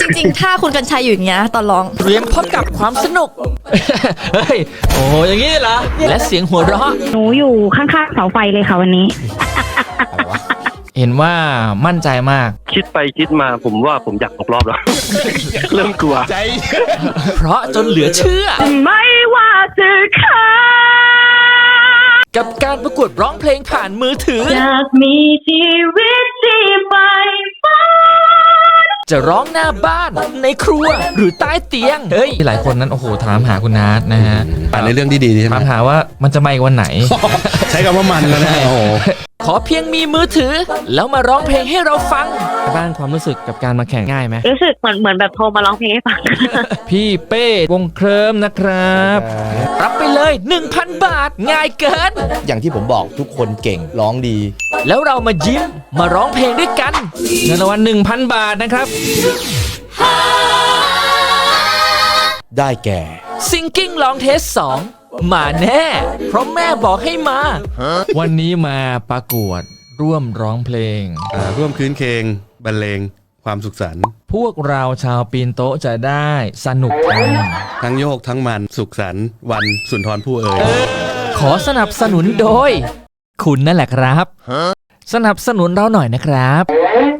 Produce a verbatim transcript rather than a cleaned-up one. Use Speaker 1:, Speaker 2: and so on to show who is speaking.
Speaker 1: จริงๆถ้าคุณกัญชัยอยู่อย่างเงี้ยตอนร้อง
Speaker 2: เตรียมพบกับความสนุก เฮ้ย โอ้อย่างนี้เหรอ และเสียงหัวเราะ
Speaker 3: หนูอยู่ข้างๆเสาไฟเลยค่ะวันนี้
Speaker 2: เห็นว่ามั่นใจมาก
Speaker 4: คิดไปคิดมาผมว่าผมอยากตกรอบแล้ว เริ่มกลัว
Speaker 5: ใจ
Speaker 2: เพราะจนเหลือเชื่อ
Speaker 3: ไม่ว่าจะค่ะ
Speaker 2: กับการประกวดร้องเพลงผ่านมือถือ
Speaker 3: อยากมีชีวิตที่ไปฝัน
Speaker 2: จะร้องหน้าบ้านในครัวหรือใต้เตียง เฮ้ย หลายคนนั้นโอ้โหถามหาคุณนัทนะฮะ
Speaker 5: อ่านในเรื่องที่ดีใช่ไหม
Speaker 2: ถามหาว่ามันจะมาอีกวันไหน
Speaker 5: ใช้คำว่ามันแล้วนะโอ้โห
Speaker 2: ขอเพียงมีมือถือ แล้วมาร้องเพลงให้เราฟัง บ้านความรู้สึกกับการมาแข่งง่ายไหม
Speaker 3: รู้สึกเหมือนเหมือนแบบโทรมาร้องเพลงให้ฟัง
Speaker 2: พี่เป้วงเคลิมนะครับ รับไปเลย หนึ่งพัน บาทง่ายเกิน
Speaker 6: อย่างที่ผมบอกทุกคนเก่งร้องดี
Speaker 2: แล้วเรามายิ้มมาร้องเพลงด้วยกันเงินรางวัล หนึ่งพัน บาทนะครับ
Speaker 6: ได้แก่
Speaker 2: ซิงกิ้งลองเทสสองมาแน่ เพราะแม่บอกให้มา วันนี้มาประกวดร่วมร้องเพลง
Speaker 5: อ่าร่วมคืนเคงบรรเลงความสุขสันต์
Speaker 2: พวกเราชาวปีนโต๊ะจะได้สนุกกัน
Speaker 5: ทั้งโยกทั้งมันสุขสันต์วันสุนทรภู่เอ๋ย
Speaker 2: ขอสนับสนุนโดย คุณนั่นแหละครับ สนับสนุนเราหน่อยนะครับ